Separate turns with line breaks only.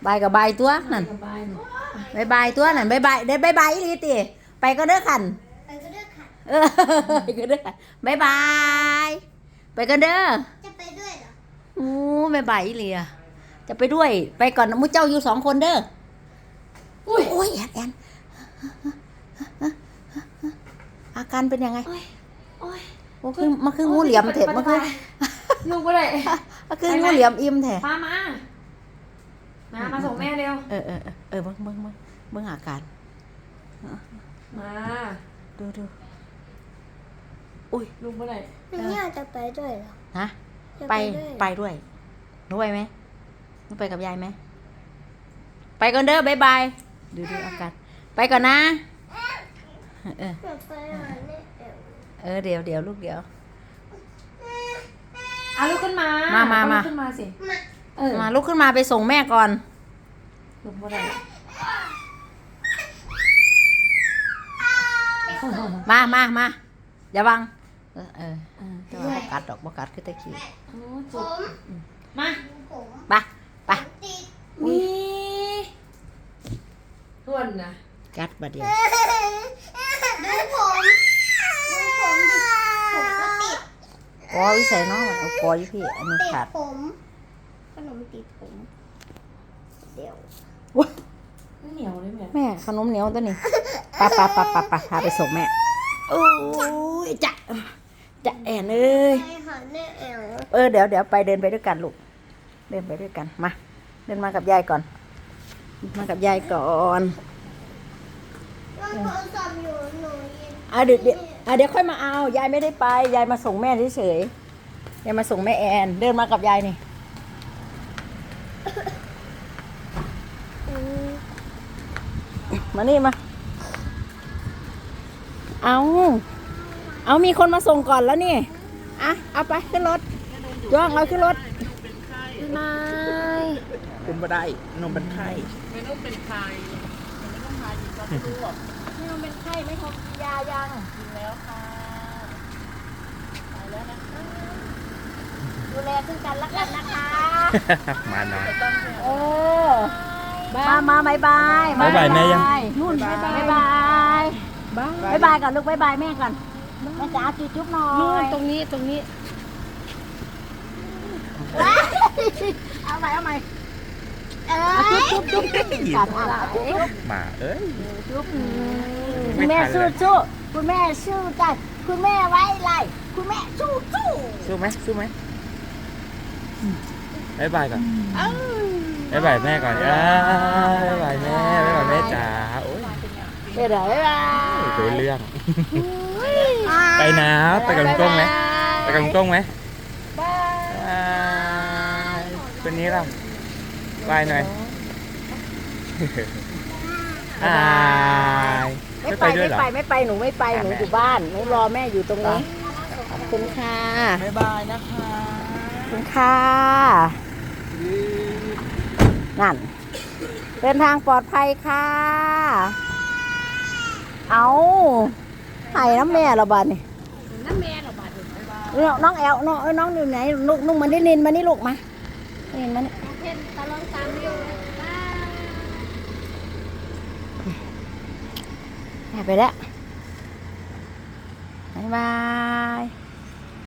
บายกับบายตัวนั่นบายบายตัวนั่นบายบายได้บายบายอีหลีติไปก็เด้อขันไปก็เด้อขันไปก็เด้อขันบายบายไปกันเด้อจะไปด้วยเหรอโอ้บายบายอีหลีอะจะไปด้วยไปก่อนมุ้เจ้าอยู่2 คนเด้ออุ้ยโอ้ยแอนอาการเป็นยังไงโอ้ยมันคืองูเหลี่ยมเถอะมันคือ
ลูกก็เลย
มันคืองูเหลี่ยมอิ่มเถอะ
มาส่งแม่เร็ว
เบิ่งอาการ
มา
ดูอุ้ย
ลูกก็เลย
เนี่ยจะไปด้วยเหรอ
ฮะไปด้วยหนูไปไหมหนูไปกับยายไหมไปก่อนเด้อบายบายดูอาการไปก่อนนะเดี๋ยวลูกเดี๋ยว
ลุกขึ้นมาลุกขึ้นมาสิ
มาลุกขึ้นมาไปส่งแม่ก่อน
ลุกบ่ได้
มาอย่าบังแต่ว่าบ่กัดคือตะกี้
มา
ไป
นี่ทวนนะ
กัดบัดเดียว
ดูผมดิผมก็ติด
กอวิสัยเนาะเอากออยู่พี่อันนี้ขาด
ผมขนมติดผมเดี๋ยว
เหนียวเลย
แม่ขนมเหนียวตัวนี้ปะพาไปส่งแม่โอ้ยจะแอนเอ้ยเดี๋ยวไปเดินไปด้วยกันลูกเดินไปด้วยกันมาเดินมากับยายก่อนเดี๋ยวค่อยมาเอายายไม่ได้ไปยายมาส่งแม่เฉยๆยายมาส่งแม่แอนเดินมากับยายนี่มานี่มาเอามีคนมาส่งก่อนแล้วนี่เอาไปขึ้นรถย่องเอาขึ้นรถ
ไม่
คุณบ่ได้นมเป็นไข้
ไม่ต้องเป็นไข้ไม่ต้องมาอีกแล้วลูก
ไม่ต้องเป็นไข้ไม่ทำยายัง
กินแล้วค่ะไปแล้วนะคะ
ดูแลซึ่งกันและกันนะคะ
มาหน่อย
มา
บายบาย
แม่ยัง
นู่นบายก่อนลูกบายแม่ก่อนแม่จ๋าจุ๊บหน่อย
นู่นตรงนี้
เอาใหม่จุ๊บ
กัดอะไรมา
จุ๊บคุณแม่สู้คุณแม่สู้กันคุณแม่ไว้ไรคุณแม่สู้
ไหมบายบายก่อนบายบายแม่ก่อนบายบายแม่จ๋าโอ้ย
เดี๋ยวบาย
ตัวเรื่องไปนะไปกับลุงก้งไหมคนนี้เราบายหน่อย
ไม่ไปด้วยเหรอไม่ไปหนูไม่ไปหนูอยู่บ้านหนูรอแม่อยู่ตรงนี้ขอบคุณค่ะ
บ๊ายบายนะคะ
ขอบคุณค่ะนั่นเดินทางปลอดภัยค่ะเอาไห้น้ำแม่เราบ้านนี่น้องแอลน้องอยู่ไหนลูกมันได้นินมานี่ลูกมาเห็นมัน
ตาลองตามอยู่
ไปแล้วบ๊ายบาย